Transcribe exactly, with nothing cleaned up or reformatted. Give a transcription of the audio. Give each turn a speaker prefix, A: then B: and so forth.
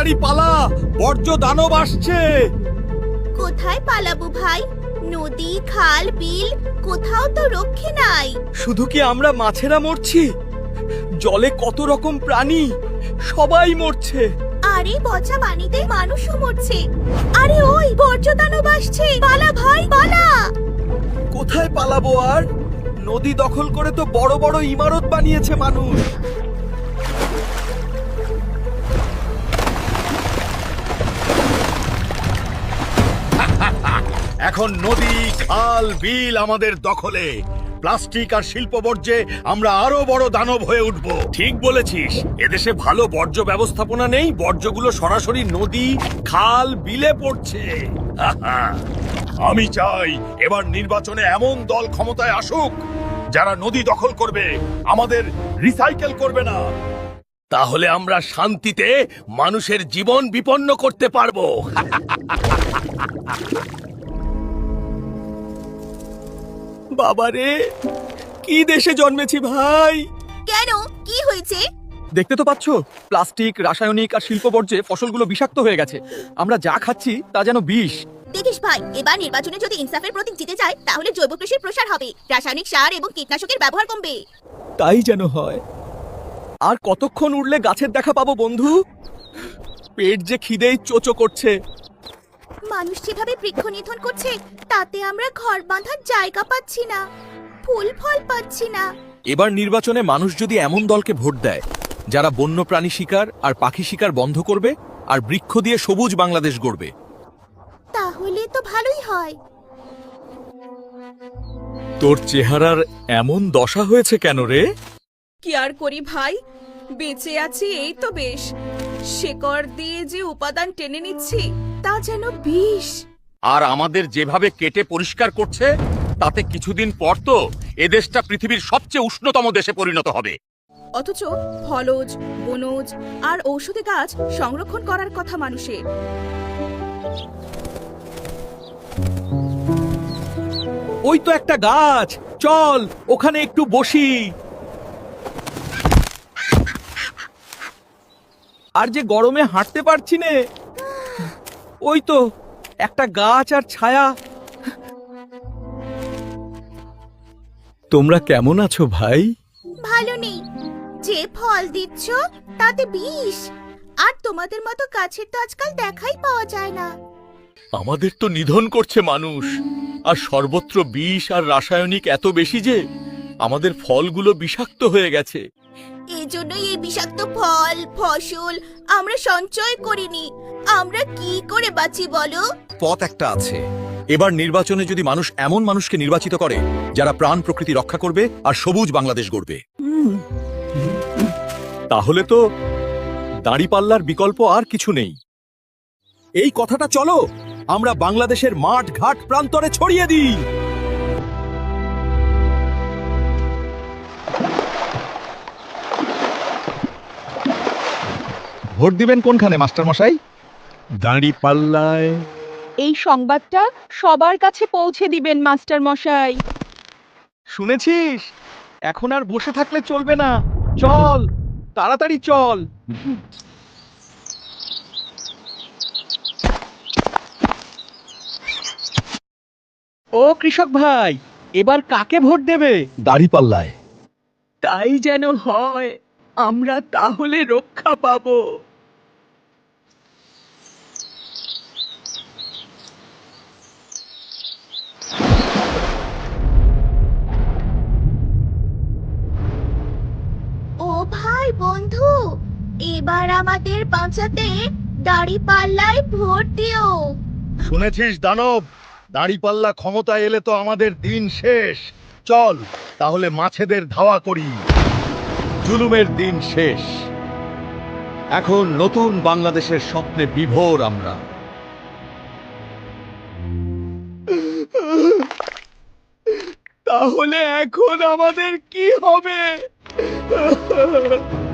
A: তাড়াতাড়ি পালা, বর্জ্য দানব আসছে।
B: কোথায় পালাবো ভাই? নদী, খাল, বিল কোথাও তো রক্ষে নাই।
A: শুধু কি আমরা মাছেরা মরছি? জলে কত রকম প্রাণী, সবাই মরছে।
B: আরে পচা পানিতে মানুষও মরছে। আরে ওই বর্জ্য দানব আসছে, পালা ভাই পালা।
A: কোথায় পালাবো আর? নদী দখল করে তো বড় বড় ইমারত বানিয়েছে মানুষ।
C: এখন নদী, খাল, বিল আমাদের দখলে। প্লাস্টিক আর শিল্প বর্জ্যে আমরা আরো বড় দানব হয়ে উঠব।
A: ঠিক বলেছিস, এদেশে ভালো বর্জ্য ব্যবস্থাপনা নেই, বর্জ্যগুলো সরাসরি নদী, খাল, বিলে পড়ছে।
C: আমি চাই এবার নির্বাচনে এমন দল ক্ষমতায় আসুক যারা নদী দখল করবে, আমাদের রিসাইকেল করবে না।
A: তাহলে আমরা শান্তিতে মানুষের জীবন বিপন্ন করতে পারবো। বাবারে, কি দেশে জন্মেছি ভাই!
B: কেন, কি হয়েছে?
D: দেখতে তো পাচ্ছ, প্লাস্টিক, রাসায়নিক আর শিল্প বর্জ্যে ফসলগুলো বিষাক্ত হয়ে গেছে। আমরা যা খাচ্ছি তা যেন বিষ।
B: দেখিস ভাই, এবার নির্বাচনে যদি ইনসাফের প্রতীক জিতে যায় তাহলে জৈব কৃষির প্রসার হবে, রাসায়নিক সার এবং কীটনাশকের ব্যবহার কমবে।
A: তাই যেন হয়। আর কতক্ষণ উড়লে গাছের দেখা পাবো বন্ধু? পেট যে খিদেই চোচো করছে।
B: মানুষ যেভাবে বৃক্ষ নিধন করছে তাতে আমরা ঘর বাঁধার জায়গা পাচ্ছি না, ফুল ফল পাচ্ছি না।
D: এবার নির্বাচনে মানুষ যদি এমন দলকে ভোট দেয় যারা বন্যপ্রাণী শিকার আর পাখি শিকার বন্ধ করবে আর বৃক্ষ দিয়ে সবুজ বাংলাদেশ গড়বে,
B: তাহলে তো ভালোই হয়।
D: তোর চেহারার এমন দশা হয়েছে কেন রে?
E: কি আর করি ভাই, বেঁচে আছি এই তো বেশ। শেকড় দিয়ে যে উপাদান টেনে নিচ্ছি তা যেন বিষ।
C: আর আমাদের যেভাবে কেটে পরিষ্কার করছে তাতে কিছুদিন পর তো এদেশটা পৃথিবীর সবচেয়ে উষ্ণতম দেশে পরিণত হবে।
E: অথচ ফলজ, বনজ আর ঔষধি গাছ সংরক্ষণ করার কথা মানুষের।
A: ওই তো একটা গাছ, চল ওখানে একটু বসি। আর যে গরমে হাঁটতে পারছি নে। ওই তো একটা গাছ আর ছায়া। তোমরা কেমন আছো ভাই?
B: ভালো নেই, যে ফল দিচ্ছ তাতে বিষ। আর তোমাদের মতো গাছের তো আজকাল দেখাই পাওয়া যায় না।
A: আমাদের তো নিধন করছে মানুষ, আর সর্বত্র বিষ আর রাসায়নিক এত বেশি যে আমাদের ফলগুলো বিষাক্ত হয়ে গেছে।
B: এই জন্যই এই বিষাক্ত ফল ফসল আমরা সঞ্চয় করিনি। আমরা কি করে বাঁচি বলো?
D: পথ একটা আছে। এবার নির্বাচনে যদি মানুষ এমন মানুষকে নির্বাচিত করে যারা প্রাণ প্রকৃতি রক্ষা করবে আর সবুজ বাংলাদেশ গড়বে, তাহলে তো দাঁড়িপাল্লার বিকল্প আর কিছু নেই। এই কথাটা চলো আমরা বাংলাদেশের মাঠ ঘাট প্রান্তরে ছড়িয়ে দিই।
F: ভোট দিবেন কোনখানে মাস্টার মশাই?
C: দাঁড়িপাল্লায়।
G: এই সংবাদটা সবার কাছে পৌঁছে দিবেন মাস্টার মশাই।
A: শুনেছিস? এখন আর বসে থাকলে চলবে না, চল তাড়াতাড়ি চল। ও কৃষক ভাই, এবার কাকে ভোট দেবে?
F: দাঁড়িপাল্লায়।
G: তাই যেন হয়, আমরা তাহলে রক্ষা পাবো।
B: ও ভাই বন্ধু, এবার আমাদের বাঁচাতে দাঁড়িপাল্লায় ভোট দিও।
C: শুনেছিস দানব, দাঁড়িপাল্লা ক্ষমতায় এলে তো আমাদের দিন শেষ। চল তাহলে মাছেদের ধাওয়া করি। জুলুমের দিন শেষ। এখন নতুন বাংলাদেশের স্বপ্নে বিভোর আমরা।
A: তাহলে এখন আমাদের কি হবে?